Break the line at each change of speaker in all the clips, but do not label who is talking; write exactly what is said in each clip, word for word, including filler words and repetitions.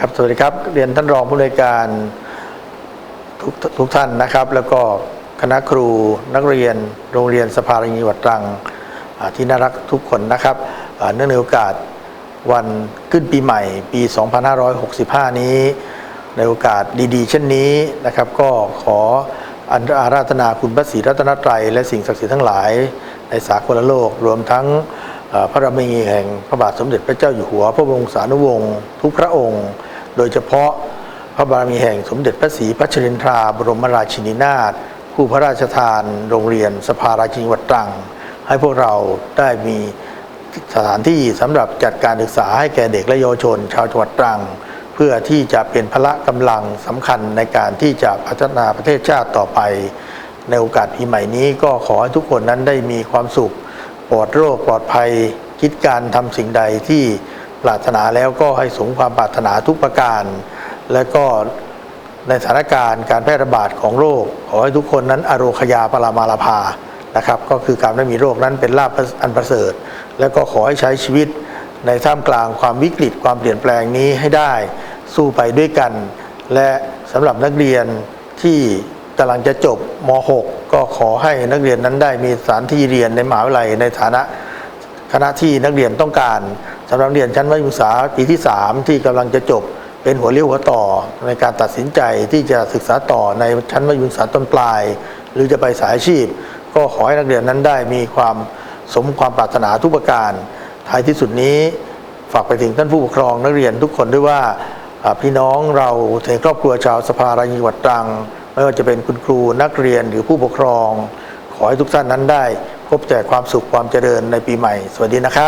ครับสวัสดีครับเรียนท่านรองผู้อำนวยการทุกทุกท่านนะครับแล้วก็คณะครูนักเรียนโรงเรียนสภาราชินีจังหวัดตรังที่น่ารักทุกคนนะครับเนื่องในโอกาสวันขึ้นปีใหม่ปีสองพันห้าร้อยหกสิบห้านี้ในโอกาสดีๆเช่นนี้นะครับก็ขออาราธนาคุณพระศรีรัตนตรัยและสิ่งศักดิ์สิทธิ์ทั้งหลายในสากลโลกรวมทั้งพระบารมีแห่งพระบาทสมเด็จพระเจ้าอยู่หัวพระบรมสานุวงศ์ทุกพระองค์โดยเฉพาะพระบารมีแห่งสมเด็จพระศรีพัชรินทราบรมราชินีนาถผู้พระราชทานโรงเรียนสภาราชินีจังหวัดตรังให้พวกเราได้มีสถานที่สำหรับจัดการศึกษาให้แก่เด็กและเยาวชนชาวจังหวัดตรังเพื่อที่จะเป็นพละกำลังสำคัญในการที่จะพัฒนาประเทศชาติต่อไปในโอกาสปีใหม่นี้ก็ขอให้ทุกคนนั้นได้มีความสุขปลอดโรคปลอดภัยคิดการทำสิ่งใดที่ปรารถนาแล้วก็ให้สมความปรารถนาทุกประการและก็ในสถานการณ์การแพร่ระบาดของโรคขอให้ทุกคนนั้นอโรคยาปรามาลาภานะครับก็คือการไม่มีโรคนั้นเป็นลาภอันประเสริฐและก็ขอให้ใช้ชีวิตในท่ามกลางความวิกฤตความเปลี่ยนแปลงนี้ให้ได้สู้ไปด้วยกันและสำหรับนักเรียนที่กำลังจะจบม หก ก็ขอให้นักเรียนนั้นได้มีสถานที่เรียนในมหาวิทยาลัยในฐานะคณะที่นักเรียนต้องการสำหรับนักเรียนชั้นมัธยมศึกษาปีที่สามที่กำลังจะจบเป็นหัวเลี้ยวหัวต่อในการตัดสินใจที่จะศึกษาต่อในชั้นมัธยมศึกษาต้นปลายหรือจะไปสายอาชีพก็ขอให้นักเรียนนั้นได้มีความสมความปรารถนาทุกประการท้ายที่สุดนี้ฝากไปถึงท่านผู้ปกครองนักเรียนทุกคนด้วยว่าพี่น้องเราในครอบครัวชาวสภาราชินีจังหวัดตรังไม่ว่าจะเป็นคุณครูนักเรียนหรือผู้ปกครองขอให้ทุกท่านนั้นได้พบแต่ความสุขความเจริญในปีใหม่สวัสดีนะครับ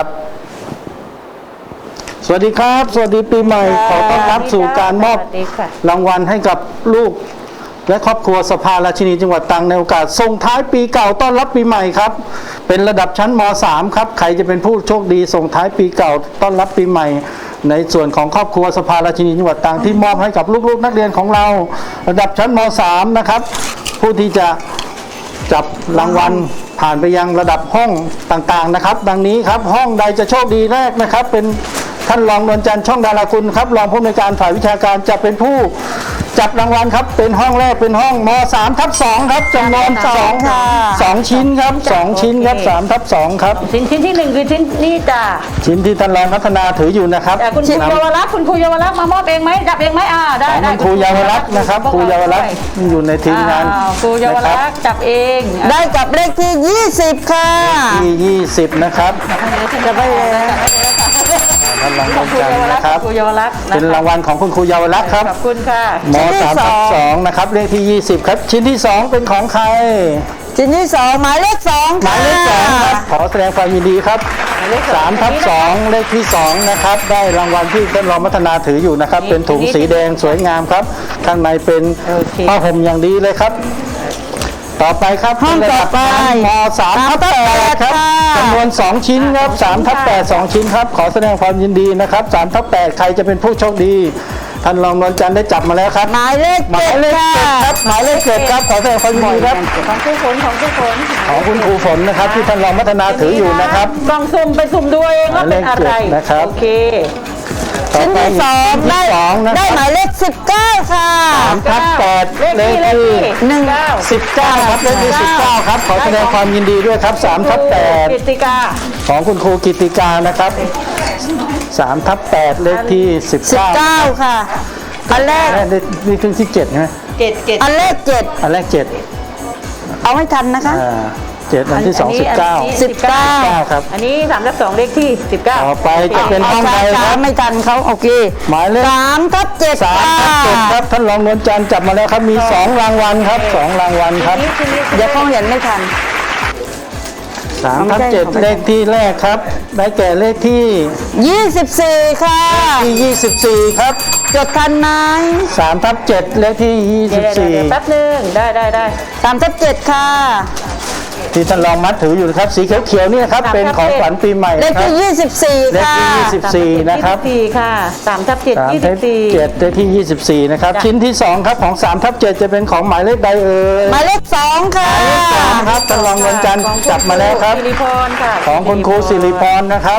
สวัสดีครับสวัสดีปีใหม่ขอต้อนรับสู่การมอบรางวัลให้กับลูกและครอบครัวสภาราชินีจังหวัดตรังในโอกาสส่งท้ายปีเก่าต้อนรับปีใหม่ครับเป็นระดับชั้นม สาม ครับใครจะเป็นผู้โชคดีส่งท้ายปีเก่าต้อนรับปีใหม่ในส่วนของครอบครัวสภาราชินีจังหวัดตรังที่มอบให้กับลูกๆนักเรียนของเราระดับชั้นม สาม นะครับผู้ที่จะจับรางวัลผ่านไปยังระดับห้องต่างๆนะครับดังนี้ครับห้องใดจะโชคดีแรกนะครับเป็นท่านรองนวลจันทร์ช่องดาราคุณครับรองผู้อำนวยการฝ่ายวิชาการจะเป็นผู้จับรางวัลครับเป็นห้องแรกเป็นห้องม สาม ทับ สองครับจำนวนสองสองชิ้นครับสองชิ้นครับสาม ทับ สองครับ
ชิ้นชิ้นที่หนึ่งคือชิ้นนี้จ้ะ
ชิ้นที่ท่านรองพัฒนาถืออยู่นะครับ
คุณครูเยาวรักษ์คุณครูเยาวรักษ์มามอบเองไหมจับเองไหมอ่าได้ได้
คุณครูเยาวรักษ์นะครับครูเยาวรักษ์อยู่ในทีมงาน
ครูเยาวรักษ์จับเอง
ได้จับเลขที่ยี่สิบค่ะ
ที่ยี่สิบนะครับ
จะไป
ท่านรองนวลจันทร์นะครับเป็นรางวัลของคุณครูเยาวรักษ์ครับ
ขอบคุณค่ะ
ม สาม ทับ สองนะครับเลขที่ยี่สิบครับชิ้นที่สองเป็นของใคร
ชิ้นที่สองหมายเลขสอง
หมายเลขสองครับขอแสดงความยินดีครับสาม ทับ สองเลขที่สองนะครับได้รางวัลที่ท่านรองพัฒนาถืออยู่นะครับเป็นถุงสีแดงสวยงามครับข้างในเป็นผ้าห่มอย่างดีเลยครับต่อไปครับ
ห้องต่อไป
ม สาม ทับ แปดครับจำนวนสองชิ้นครับสาม ทับ แปด สองชิ้นครับขอแสดงความยินดีนะครับสาม ทับ แปดใครจะเป็นผู้โชคดีท่านรองนวลจันทร์ได้จับมาแล้วครับ
หมายเลข
หมายเลขเจ็ดครับหมายเลขเจ็ดครับขอแสดงความยินดีครับ
ของครูฝนของครูฝน
ของคุณครูฝนนะครับที่ท่านรองพัฒนาถืออยู่นะครับ
ลองสุ่มไปสุ่มดูเองว่าเป็นอะไร
นะครับ
โอเค
ชิ้นที่สองได้ได้หมายเลขสิบเก้าค่ะ
สาม ทับ แปดเลขที่
หนึ่ง
สิบเก้าครับเลขที่สิบเก้าครับขอแสดงความยินดีด้วยครับสาม ทับ แปด
กิตติกา
ของคุณครูกิตติกานะครับสาม ทับ แปดเลขที่สิบเก้า
ค่ะอันแรก
นี่ถึงที่เจ็ดใช่ไหม
เจ็ดเจ็ด
อันแรกเจ็ด
อันแรกเจ็ด
เอาให้ทันนะคะ
เจ็ดอันที่สองสิบเก้า
สิบเก้า
ครับ
อันนี้สามทับสองเลขที่สิบเก้า
ต่อไปจะเป็นห้องใดครับ
ไม่ทันเขาโอเค
หมายเลข
สามทับเจ็ด
สามทับเจ็ดครับท่านรองนวลจันทร์จับมาแล้วครับมีสองรางวัลครับสองรางวัลครับ
เดี๋ยวเขาเห็นไม่ทัน
สาม ทับ เจ็ดเลขที่แรกครับได้แก่เลขที่
ยี่สิบสี่ค่ะ
ที่ยี่สิบสี่ครับ
จดทันไหม
สาม ทับ เจ็ดเลขที่ยี่สิบสี่
แป๊บนึงได้ได้ได้
สาม ทับ เจ็ดค่ะ
ที่ท่านรองมัดถืออยู่นะครับสีเขียวๆนี่นะครับเป็นของขวัญปีใหม่
เลขที่ยี่สิบสี่ค่ะ
เลขที่ยี่สิบสี่นะครับ
สี่ค่ะสาม ทับ เจ็ด ยี่สิบสี่
เจ็ดเลขที่ยี่สิบสี่นะครับชิ้นที่สองครับของสาม ทับ เจ็ดจะเป็นของหมายเลขใดเอ่ย
หมายเลขสองค่ะ
หมายเลขสองครับท่านรองนวลจันทร์จับมาแล้วครับ
สิริพรค่ะ
ของคุณครูสิริพรนะครับ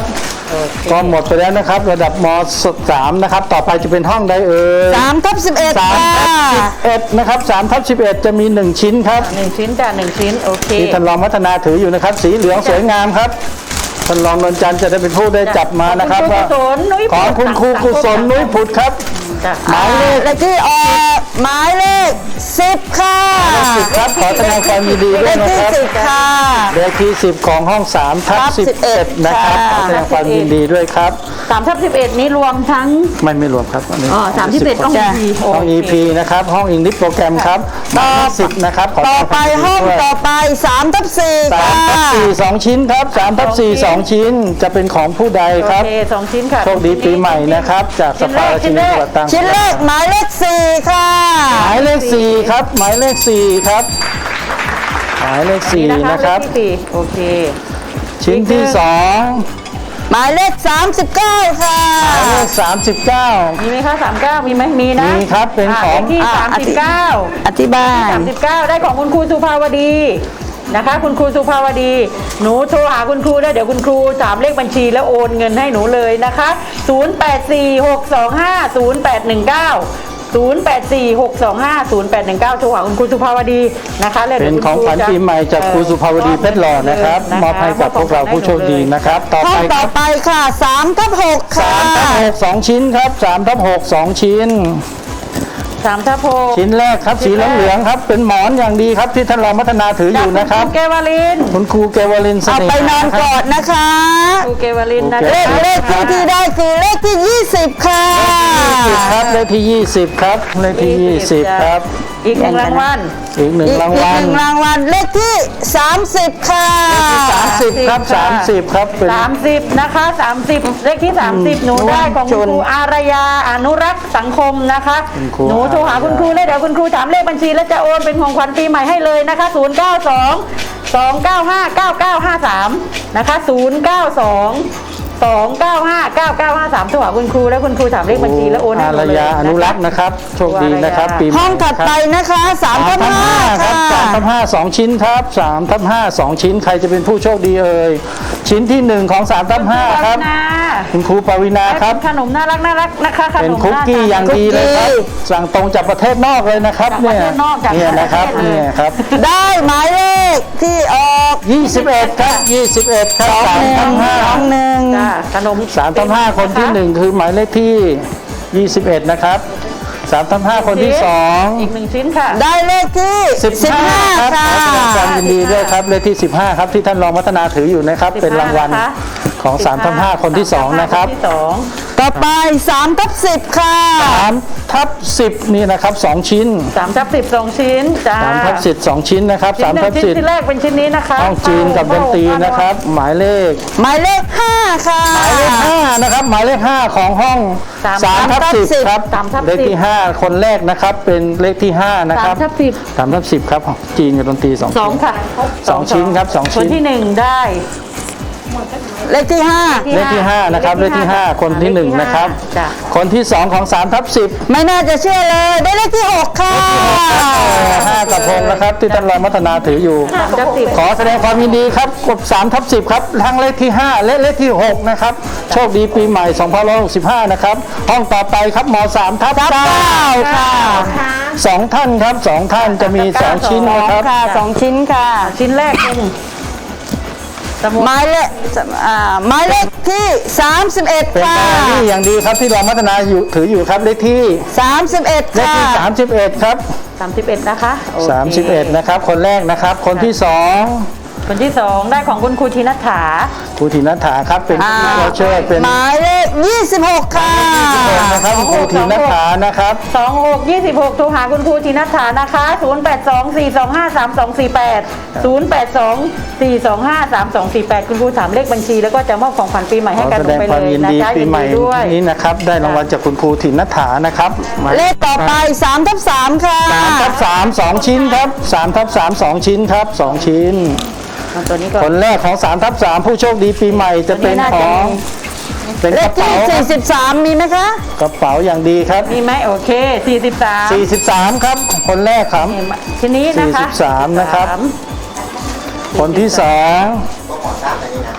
โอเค
ก็หมดไปแล้วนะครับ ระดับมสามนะครับ ต่อไปจะเป็นห้องใดเอ่ย
สามทับสิบเอ็ด
สาม
ค่ะ
ทับสิบเอ็ดนะครับสามทับสิบเอ็ดจะมีหนึ่งชิ้นครับ
หนึ่งชิ้นจ้ะหนึ่งชิ้นโอเค
ที่ท่านรองพัฒนาถืออยู่นะครับ สีเหลืองสวยงามครับท่านรองนนจันทร์จะได้เป็นผู้ได้จับมานะครับ
ข
ว่า
องคุณครูกุศลนุ้ย
ของ
ผุด
คุณครูกุศลนุ้ยผุดครับ
จ้ะ
หมายเลข
เลขที่ออกหมายเลขสิบค่ะ
สิบครับขอแสดงความยินดี
เล
ด้วย
ข
นะ
ที่
ครับ
สิบค่ะ
เลขที่สิบของห้องสามทับ
ทับ
สิบเอ็ด
11
นะครับ
ค่ะ
ขอแสดงความยินดีด้วยครับ
สามทับสิบเอ็ดนี้รวมทั้ง
ไม่ไม่รวมครับนนี้
อ๋อสามสิบเอ็ดต้อง
สิบ
EP
ห้อง
โอเค
อี พี นะครับห้องอิงลิสโปรแกรมครับหมายเลขสิบนะครับขอแส
ต่
ด
อง
ค
ไป
วามยินดี
ห้อง
ด้วย
ต่อไปสามทับสี่
สา
ค่ะ
มทับสี่สองชิ้นครับสามทับสี่สองชิ้นจะเป็นของผู้ใด
โอ
ครับ
เคสองชิ้นค่ะ
โชคดีปีใหม่นะครับ จากสภาราชินีจังหวัดตรัง
ชิ้นแรกหมายเลขสี่ค่ะ
หมายเลขสี่ครับ หมายเลขสี่ครับ หมายเลขสี่
นี่
นะครับ
เลขที่สี่โอเค
ชิ้นที่สอง
หมายเลขสามสิบเก้าค่ะ
หมายเลขสามสิบเก้า
มีไหมคะสามเก้ามีไหมมีนะ
มีครับเป็นของ
ะลขที่
อ่ะ
สามสิบเก้า
อธิบาย
สามสิบเก้าได้ของคุณครูสุภาวดีนะคะ คุณครูสุภาวดี หนูโทรหาคุณครูได้เดี๋ยวคุณครูถามเลขบัญชีแล้วโอนเงินให้หนูเลยนะคะศูนย์ แปด สี่ หก สอง ห้า ศูนย์ แปด หนึ่ง เก้า ศูนย์ แปด สี่ หก สอง ห้า ศูนย์ แปด หนึ่ง เก้าโทรหาคุณครูสุภาวดีนะคะแล้ว
เป็
ดี๋ย
น
วคุณ
ของ
ครู
ขวัญ
จะ
ปีใหม่จากครูสุภาวดีเพชรหล่อนะครับ
นะคะ
มอบให้กับพวกเราผู้โชคดีนะครับ ต่อ
ห้อ
ไป
ง
ค
ต่อ
รับ
ไปค่ะสามทับหกค่ะ
สามทับหกสองชิ้นครับสามทับหกสองชิ้น
สามทับหก
ชิ้นแรกครับสีเหลืองๆครับ เป็นหมอนอย่างดีครับที่ท่านรองพัฒนาถืออยู่นะครับ
จากณเกวลิน
คุณครูเกวลินเส
เอา
น่ห์
ไปนอนกอดนะคะ
ครูเกวลินนะ
โอ
เล
ค
ขเลขที่ที่ได้คือเลขที่ยี่สิบค่ะ
ยี่สิบครับเลขที่ยี่สิบครับเลขที่ยี่สิบครับ
อีกหนึ่งรางวัล
อีกหนึ่ง
อีก
ราง
อีก
วั
ห
ล
นึ่งรางวัลเลขที่สามสิบค่ะ
สามสิบครับสามสิบครับเป็น
สามสิบนะคะสามสิบเลขที่สามสิบหนูได้ของคุณครูอารยาอนุรักษ์สังคมนะคะ
คุณครู
หนูโทรหาคุณครูเลยเดี๋ยวคุณครูถามเลขบัญชีแล้วจะโอนเป็นของขวัญปีใหม่ให้เลยนะคะศูนย์ เก้า สอง สอง เก้า ห้า เก้า เก้า ห้า สามนะคะศูนย์ เก้า สอง สอง เก้า ห้า เก้า เก้า ห้า สามโทรหาคุณครูแล้วคุณครูถามเลขบัญชีแล้วโอนให้
อา
หนู
ร
เลย
ยาอนุรักษ์นะครับโชคดีนะครับปีใหม่
ห้องถัดไปนะคะสาม
สาม
ทับ
ทับ
ห้า
ห้าครับ
ค่ะ
สามทับห้าสองชิ้นครับสามทับห้าสองชิ้นใครจะเป็นผู้โชคดีเอ่ยชิ้นที่หนึ่งของสามทับห้าครับ
นะ
คุณครูปวีนาครับ
ขนมน่ารักน่ารักนะคะข
เป็น
นม
คุกกี้อย่างดีเลยครับ
คุกกี้
สั่งตรงจากประเทศนอกเลยนะครับ
จากป
เนี่
ระ
ย
เทศนอกจาก
เนี่ยนะครับ
ประเทศเลย
เนี่ยครับ
ได้หมายเลขที่ออก
ยี่สิบเอ็ดครับยี่สิบเอ็ดครับสามทับห้า
สองหนึ่ง
จ้าขนม
สามทับห้าคนที่หนึ่งคือหมายเลขที่ยี่สิบเอ็ดนะครับสามทับห้าคนที่สอง
อีกหนึ่งชิ้นค่ะ
ได้เลขที่
สิบ
สิบ
ห้า
ห้า
ครับ
ค่ะ
ขอแสดงความยินดีด้วยครับเลขที่สิบห้าครับที่ท่านรองพัฒนาถืออยู่นะครับ เป็นรางวัล
นะคะ
ของสามทับห้าคนที่สองนะครับ
ที่สอง
ต่อไปสามทับสิบค่ะ
สามทับสิบนี่นะครับสองชิ้น
สามทับสิบสองชิ้นจ้า
สามทับสิบสองชิ้นนะครับ
ชิ้
สาน ม
หนึ่
ทั
ง
บ
ชิ้น
สิบ
ที่แรกเป็นชิ้นนี้นะคะ
ห้องจีนกับดนตรีนะครับ หมายเลข
หมายเลขห้าค่ะ
หมายเลขห้านะครับหมายเลขห้าของห้องสามทับสิบครับ
สามทับ
เลข
สิบ
ที่ห้าคนแรกนะครับเป็นเลขที่ห้านะค
สา
รั
ม
บ
ทับสิบ
สามทับสิบครับจีนกับดนตรีสอง
สองค่ะ
สองชิ้นครับสองชิ้น
คนที่หนึ่งได้
เลขที่ห้า
เลขที่ห้านะครับเลขที่ห้าคนที่หนึ่งนะครับ
จ้ะ
คนที่สองของสามทับสิบ
ไม่น่าจะเชื่อเลย ได้เลขที่หกค่ะ
ห้ากระพงนะครับที่ท่านรองพัฒนาถืออยู่
สามทับสิบ
ขอแสดงความยินดีครับกดสามทับสิบครับทั้งเลขที่ห้าและเลขที่หกนะครับโชคดีปีใหม่สองพันหกสิบห้านะครับห้องต่อไปครับมสามทับเก้า
ค่ะ
สองท่านครับสองท่านจะมีสองชิ้นนะครับ
ค่ะสองชิ้นค่ะ
ชิ้นแรกเป็นสมุด
หมายเลขอ่าหมายเลขที่สามสิบเอ็ด
เป็น
ค่ะ
แบรนด์นี่อย่างดีครับที่รองพัฒนาอยู่ถืออยู่ครับเลขที่
สามสิบเอ็ด
เลข
ค่ะ
ที่สามสิบเอ็ดครับ
สามสิบเอ็ดนะคะโอเค
สามสิบเอ็ดนะครับคนแรกนะครับ คนที่สอง
คนที่สองได้ของคุณครูธินัฐฐา
ครูธีนัฐาครับเป็น
อ่า
ผู้เชิญเป็น
หมายเลขยี่สิบหกค่ะ
นะครับครูธีนัฐานะครับ
สองหกยี่สิบหกโทรหาคุณครูธินัฐฐานะคะศูนย์แปดสองสี่สองห้าสามสองสี่แปดศูนย์แปดสองสี่สองห้าสามสองสี่แปดคุณครูถามเลขบัญชีแล้วก็จะมอบของขวัญปีใหม่
ข
ให้
อ
กัน
แส
ล
ด
ง
ง
ไป
ควา
เล
ม
ย
ยิน
นะ
ดี
จ๊ะ
ปี
ยิน
ใหม่
ดีด้วย
นี้นะครับได้รางวัลจากคุณครูธีนัฐานะครับหมาย
เลขต่อไปสามทับสามค่ะ
สามทับสามสองชิ้นครับสามทับสามสองชิ้นครับสองชิ้น
เอาตัวนี้ก่อ
คน นแรกของสามทับสามผู้โชคดีปีใหม่จะเป็นของเป็น
เล
ก
ข
ระ
ที่
เป๋า
สี่สิบสามมีไหมคะ
กระเป๋าอย่างดีครับ
มีไหมโอเคสี่สิบสาม
สี่สิบสามครับคนแรกครับ
ทีนี้นะคะ
สี่สิบสามนะครับ คนที่สอง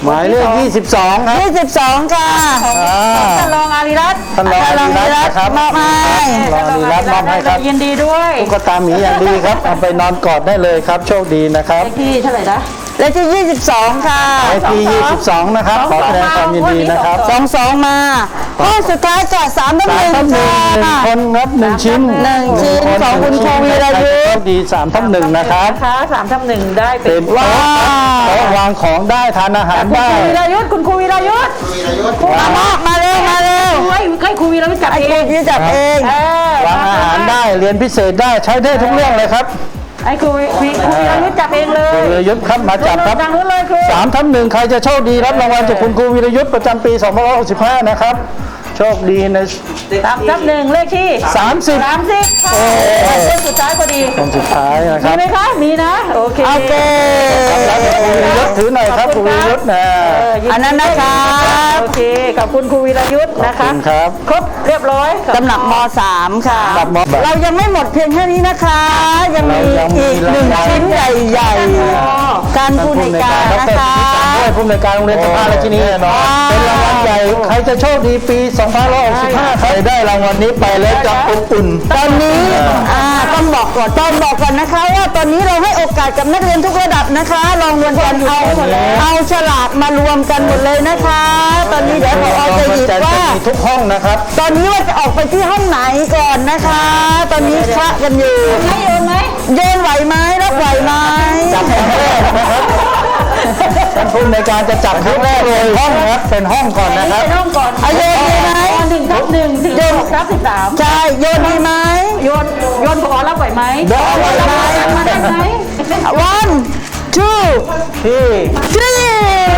หมายเลขยี่สิบสองครับ
ยี่สิบสองค่ะ
อ่า
ท่านรองอารีรัตน์
ท่านรองอารีรัตน์นะครับ
มอบให้
รองอารีรัตน์มอบให้ครับ
ยินดีด้วย
ตุ๊กตาหมีอย่างดีครับเอาไปนอนกอดได้เลยครับ โชคดีนะครับ
เลขที่เท่าไหร่นะ
เลขที่ยี่สิบสองค่ะ
ไอพียี่สิบสองนะครับ ขอแสดงความยินดีนะครับ
สองสองมาข้อสุดท้ายค่ะสามทับห
สาม
นึ่ง
ทับหนึ่ง
ค่ะ
หนึ่งคนครับหนึ่งชิ้น
หนึ่งชิ้นของคุณครูวีรยุทธ์
โชคดีสามทับหนึ่งนะครับ
นะคะสามทับหนึ่งได้เป็
เป็น น
ว้า
โต๊ะ
ว
โต๊ะวางของได้ทานอาหาร
คุณ
ได้
ครูวีรยุทธ์คุณครูวีรยุทธ์
มามามาเร็วมาเร็ว
ให้ให้ครูวีรยุทธ์จับ
ไอ้
เอ
ครู
ง
ยืดจับเอง
เออ
วางอาหารได้เรียนพิเศษได้ใช้ได้ทุกเรื่องเลยครับ
ให้ครูวีครูวีรยุทธ์จับเองเลย
คุณวีรยุทธ์ครับมาจับครับ
ทางนู้นเลยครู
สามทับหนึ่งใครจะโชคดีรับรางวัลจากคุณครูวีรยุทธ์ประจำปีสองพันห้าร้อยหกสิบห้านะครับ โชคดีใน
สามทับหนึ่งเลขที่
สามสิบ
สามสิบค่ะคนสุดท้ายพอดี
คนสุดท้ายนะค
มี
รับ
ไหมคะมีนะโอเค
โอเค
รับครูวีรยุทธ์ถือหน่อยครับครูวีรยุทธ์นะ
เยิดี
อันนั้นนะครับ
โอเคขอบคุณครูวีรยุทธ์นะ
ขอบ
คะ
คุณครับ
ครบเรียบร้อย
ตำหนักมสามค่ะ
ตำหนักมสาม
เรายังไม่หมดเพียงแค่นี้นะคะ ยังมี
เรายังมี
อีกหนึ่ง
รางวัล
ชิ้นใหญ่ๆ การผู้ในวยการนะคะ
ด้วยผู้ในวยการโรงเรียนสภาราชินีเป็นรางวัลใหญ่ใครจะโชคดีปีสองพันห้าร้อยหกสิบห้าใครได้รางวัลนี้ไปแล้วจะอบอุ่น
ตอนนี้อ่าต้องบอกก่อนต้องบอกก่อนนะคะว่าตอนนี้เราให้โอกาสกับนักเรียนทุกระดับนะคะลองรวมกันเอาเอาฉลากมารวมกันหมดเลยนะคะ ตอนนี้เดี๋ยวพอจะหยิบว่า
มีทุกห้องนะครับ
ตอนนี้ว่าจะออกไปที่ห้องไหนก่อนนะคะ ตอนนี้คละกันอยู่
ไม่โยนไหม
โยนไหวไหมรับไหวไหม
จับครั้งแรกนะครับท่านผู้ในวยการจะจับครั้งแรกเลยห้องนะครับเป็นห้องก่อนนะครับ
ไปน้องก่อน
เอาโยนดีไหม
หนึ่งทับหนึ่งถึงหกทับสิบสาม
ใช่โยนดีไหม
โยนโยนขอรับไหวไหม
ได้ไหวไหม
มาได้ไหม
one two
ที่
three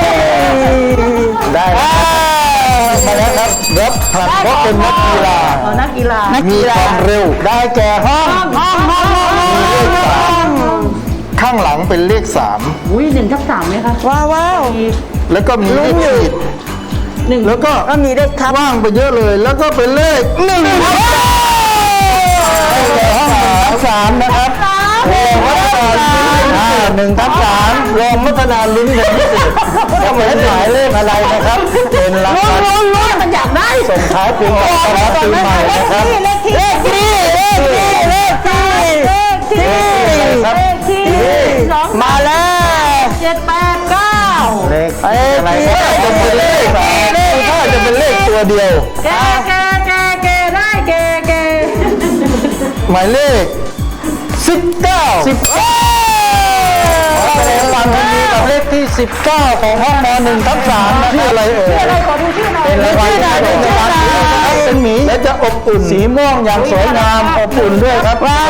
ได้นะครับมาแล้วครับรถผลัดเพราะเป็นนักกีฬา
เอานักกีฬา
นัก
มี
กี
ค
ฬา
วามเร็วได้แก่ห้อง
ห้องห้องห้องห้องห้อง
ข้างหลังเป็นเลขสาม
อุ้ยหนึ่งทับสามไหมคะ
ว้าวว้าว
แล้วก็มีเลขขีด
หนึ่ง
แล้วก็
ก็มีเลขทับ
ว่างไปเยอะเลย แล้วก็เป็นเลขหนึ่งแก่ห้องทับสามนะครับโรงพัฒนาอ่าหนึ่งทับสามโรงพัฒนาลิ้นเป็นพิเศษก็เหมือนหมายเลขอะไรนะครับ เป็นรางวัล
ลุ้นลุ้นมันอยากได้
ส่งท้ายปีเก่าต้อนรับปีใหม่นะครับ
เลขที่
เลขที่เลขที่เลขที่เลขที่
ครับ
เลขที่สอง
มาแล้ว
เจ็ดแปดเก้า
เลขอะไรก็จะเป็นเลขสามถ้าจะเป็นเลขตัวเดียว
แกแกแกแกได้แกแก
หมายเลขสิบเก้าสิบเก้าแสดงความยินดีกับเลขที่สิบเก้าของห้องมหนึ่งทับสามนะชื่ออะไรเอ่ย
ชื่ออะไรขอดูชื่อหน่อย
เป็นรางวัลที่ได้เป็นรางวัลเป็นหมีและจะอบอุ่นสีม่วงอย่างสวยงามอบอุ่นด้วยครับ
ว้าว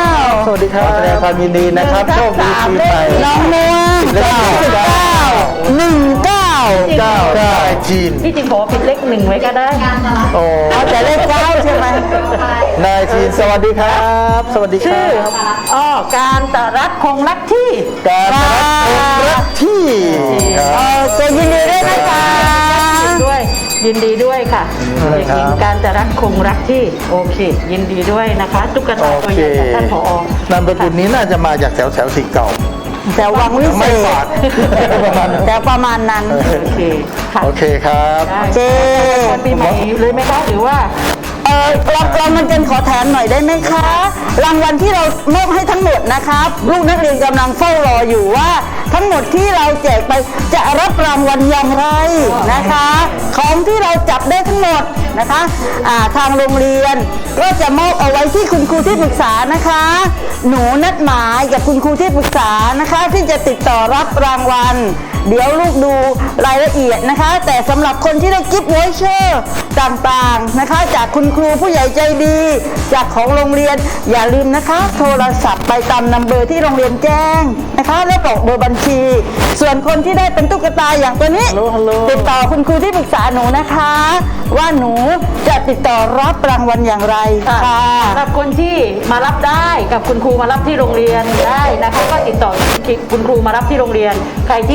สวัสดีครับแสดงความยินดีนะครับโชคดีปีใหม่
น้องม่วง
เลขสิบเก้า
หนึ่งเก้า
เก้าเก้าจีน
ที่จริงขอผิดเลขหนึ่งไว้ก็ได้
โอ้
เอาแต่เลขเก้าใช่ไหม
นายจีนสวัสดีครับ สวัสดีค
ชื่
รั
อบ อ๋อการตรักคงรักที่
การรักคนรักที่ค
เอ
รับ
อตัวยินดีด้วยนะคะ
ด้วยยินดีด้วยค่ะ
ยินดี
เด็ก
ครับ
หญิงการจะรักคงรักที่โอเค ยินดีด้วยนะคะตุ๊กตาตัวใหญ่จากท่านผอ
นามสกุลนี้น่าจะมาจากแถวแถวสิเก่า
แต่วังวิเศ
ไม่
ษ
ฝาด ประมาณนั้น
แต่ประมาณนั้น
โอเคค่ะ
โอเคครับ
ได้
เจ
วันปีใหม่เลยไหมคะหรือว่า
เออเราเรามันเป็นขอแถมหน่อยได้ไหมคะ รางวัลที่เรามอบให้ทั้งหมดนะครับ ลูกนักเรียนกำลังเฝ้ารออยู่ว่า ทั้งหมดที่เราแจกไปจะรับรางวัลอย่างไรนะคะ ของที่เราจับได้ทั้งหมดนะคะอ่าทางโรงเรียนก็จะมอบเอาไว้ที่คุณครูที่ปรึกษานะคะ หนูนัดหมายกับคุณครูที่ปรึกษานะคะ ที่จะติดต่อรับรางวัล เดี๋ยวลูกดูรายละเอียดนะคะ แต่สำหรับคนที่ได้กิฟต์วอยเชอร์ต่างๆนะคะ จากคุณครูผู้ใหญ่ใจดี จากของโรงเรียนอย่าลืมนะคะ โทรศัพท์ไปตามนัมเบอร์ที่โรงเรียนแจ้งนะคะ และบอกเบอร์บัญชี ส่วนคนที่ได้เป็นตุ๊กตาอย่างตัวนี้
ฮัลโหลฮัลโหล
ติดต่อคุณครูที่ปรึกษาหนูนะคะ ว่าหนูจะติดต่อรับรางวัลอย่างไรค่ะ
สำหรับคนที่มารับได้กับคุณครูมารับที่โรงเรียนได้นะคะก็ติดต่อคุณครูมารับที่โรงเรียน ใครที่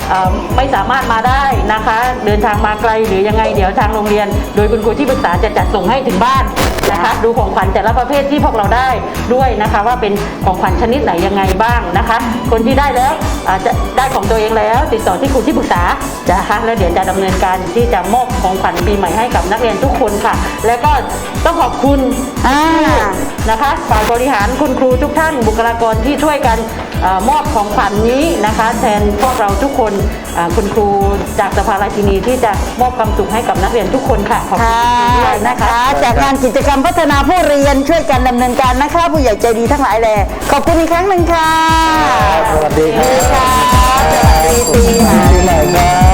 เอ่อไม่สามารถมาได้นะคะ เดินทางมาไกลหรือยังไงเดี๋ยวทางโรงเรียน โดยคุณครูที่ปรึกษาจะจัดส่งให้ถึงบ้านนะคะ ดูของขวัญแต่ละประเภทที่พวกเราได้ด้วยนะคะ ว่าเป็นของขวัญชนิดไหนยังไงบ้างนะคะ คนที่ได้แล้วอาจจะได้ของตัวเองแล้วติดต่อที่ครูที่ปรึกษานะคะแล้วเดี๋ยวจะดำเนินการที่จะมอบของขวัญปีใหม่ให้กับนักเรียนทุกคนค่ะ แล้วก็ต้องขอบคุณ
อ่า
นะคะฝ่ายบริหารคุณครูทุกท่านบุคลากรที่ช่วยกันเออมอบของขวัญนี้นะคะ แทนพวกเราทุกคนอ่าคุณครูจากสภาราชินีที่จะมอบความสุขให้กับนักเรียนทุกคนค่ะขอบคุณ
ค่ะ
ด้วย
นะ
นะคะ
คะ จากงานกิจกรรมพัฒนาผู้เรียนช่วยกันดำเนินการนะคะ ผู้ใหญ่ใจดีทั้งหลายแหละขอบคุณอีกครั้งหนึ่งค่ะ
สวัสดีค
สวัสดี
รับ
ค่ะสวัสดีปีใหม่
ปีใหม่ครับ